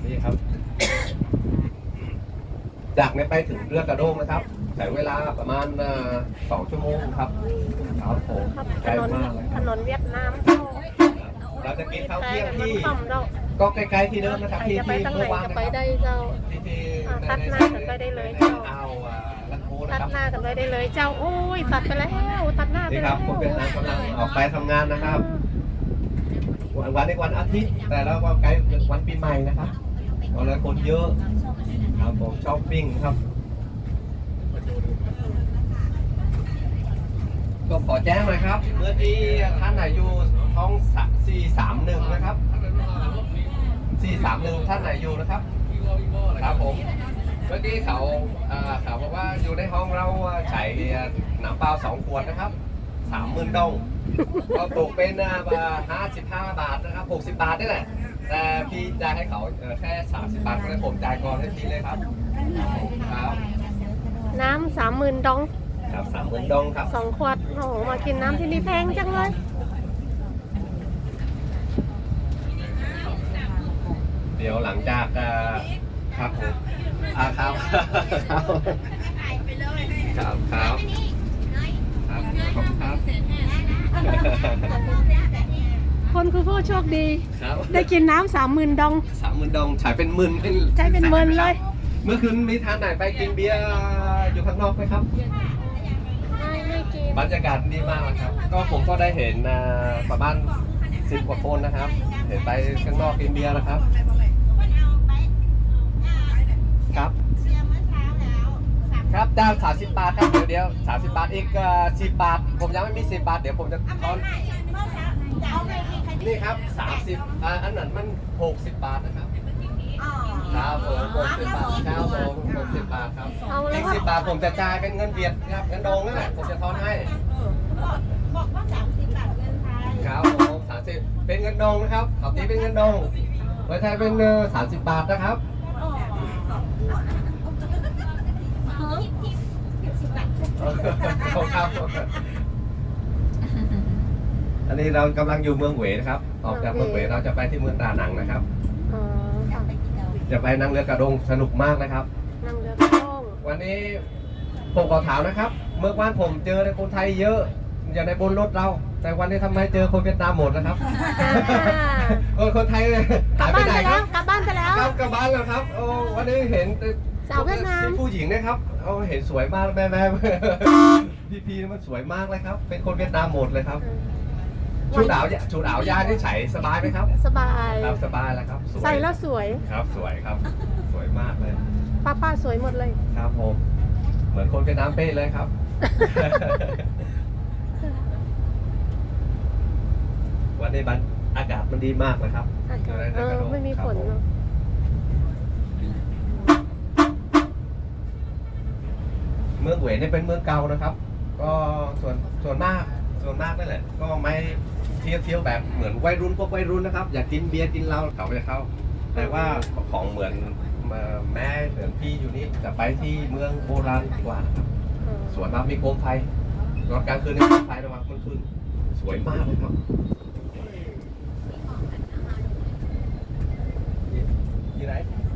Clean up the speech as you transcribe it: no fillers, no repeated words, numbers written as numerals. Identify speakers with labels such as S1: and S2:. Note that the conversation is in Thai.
S1: นี่ครับจากนี้ไปถึงเรือกระโดงนะครับใช้เวลาประมาณ2 ชั่วโมงครับครับผมไกลมากเลย
S2: ถนนเวียดนาม
S1: เราจะกินข้าวเที่ยง
S2: ที่
S1: ที่ก็ใกล้ๆที่เดิมนะครับที่
S2: จะไป
S1: ที่
S2: ตั้งไหน
S1: เมื่อวาน
S2: จะ
S1: นะ
S2: ไป
S1: ครับ
S2: ได้เจ้า
S1: ที่
S2: ตัดหน้ากันไปได้เลยเจ้า
S1: เอาลันโพนะ
S2: ตัด
S1: ครับ
S2: หน้ากันไปได้เลยเจ้าโอ้ยตัดไปแล้วตัดหน้าไป
S1: นี่ค
S2: แล้
S1: รั
S2: ว
S1: บคนเวียดนามกำลังออกไปทำงานนะครับ วันในวันอาทิตย์แต่แล้วก็ใกล้วันปีใหม่นะครับวันละคนเยอะครับผมช้อปปิ้งครับก็ขอแจ้งหน่อยครับเมื่อที่ท่านไหนอยู่ห้อง431นะครับ431ท่านไหนอยู่นะครับครับผมเมื่อกี้เขาบอกว่าอยู่ในห้องเราใช้น้ำเปล่า2 ขวดนะครับ30,000 ดองก็ตกเป็น55 บาทนะครับ60 บาทนี่แหละแต่พี่จ่ายให้เขาแค่30 บาทก็เลยผมจ่ายก่อนให้พี่เลยครับครับ
S2: น้ำ30,000 ดอง
S1: ครับ30,000 ดองครับ
S2: 2 ขวดโอ้โหมากินน้ำที่นี่แพงจังเลย
S1: เดี๋ยวหลังจากครับผมครับครับครับครับขอบคุณครับ
S2: คนคือผู้โชคดี
S1: ครับ
S2: ได้กินน้ำ30,000 ดอง
S1: 30,000 ดองใช้เป็นหมื่น
S2: ใช้เป็นหมื่นเลย
S1: เมื่อคืนมีทานไหนไปกินเบียร์อยู่ข้างนอกไหมครับ
S2: ไม่กิน
S1: บรรยากาศดีมากนะครับก็ผมก็ได้เห็นประมาณ10 กว่าคนนะครับ เห็นไปข้างนอกกินเบียร์นะครับครับครับจ้าง30 บาทครับเดี๋ยว30 บาทอีก10 บาทผมยังไม่มี10 บาทเดี๋ยวผมจะทอนนี่ครับ30อันนั้นมัน60 บาทนะครับครับผม60 บาทครับผม60 บาทครับ
S2: เอาแล้
S1: อี
S2: ว
S1: ก
S2: ก็
S1: 10 บาทผมจะจ่ายเป็นเงินเวียดครับเงินดองนั่นแหละผมจะทอนให้
S3: บอกว่า30 บาทเงินไทย
S1: ครับผม30เป็นเงินดองนะครับเอาตีเป็นเงินดองไว้ไทยเป็น30 บาทนะครับครับอันนี้เรากำลังอยู่เมืองเหวนะครับออกจากเมืองเหวเราจะไปที่เมืองดานังนะครับ
S2: อ๋อค่ะ
S1: จะไปนั่งเรือกระดงสนุกมากนะครับ
S2: นั่งเรือกระด้ง
S1: วันนี้ผมขอถามนะครับ เมื่อวานผมเจอในคนไทยเยอะอย่างในบนรถเรา แต่วันนี้ทำไมเจอคนเวียดนามหมดนะครับ คนไทย
S2: กลั
S1: หา
S2: บ
S1: ยไป
S2: บ้าน
S1: ไหน
S2: ไป
S1: ค
S2: แล้
S1: รั
S2: ว
S1: บ
S2: กลับบ้านไปแล้ว
S1: กลับบ้านแล้วครับโอ้วันนี้เห็น
S2: สาวเวียดนาม
S1: ผู้หญิงนะครับเอาเห็นสวยมากแม่ พี่มันสวยมากเลยครับ เป็นคนเวียดนามหมดเลยครับชุดหนาวยาที่ใส่สบายไหมครับ
S2: สบาย
S1: ครับสบายแล้วครับสวย
S2: ใส่แล้วสวย
S1: ครับสวยครับ สวยมากเลย
S2: ป้าสวยหมดเลย
S1: ครับผมเหมือนคนเวียดนามเป๊ะเลยครับ วันนี้อากาศมันดีมากนะครับ
S2: อากาศไม่มีฝนเนอะ
S1: เมืองเหวยเนี่ยเป็นเมืองเก่านะครับ ก็ส่วนมากนั่นแหละก็ไม่เที่ยวแบบเหมือนวัยรุ่นพวกวัยรุ่นนะครับ อยากกินเบียร์กินเหล้าเขาจะเข้า แต่ว่าของเหมือนแม่เหมือนพี่อยู่นี่จะไปที่เมืองโบราณดีกว่านะครับ สวยมากมีโคมไฟตอนกลางคืนนี่โคมไฟระหว่างกลางคืนสวยมากเลยครับยี่ไร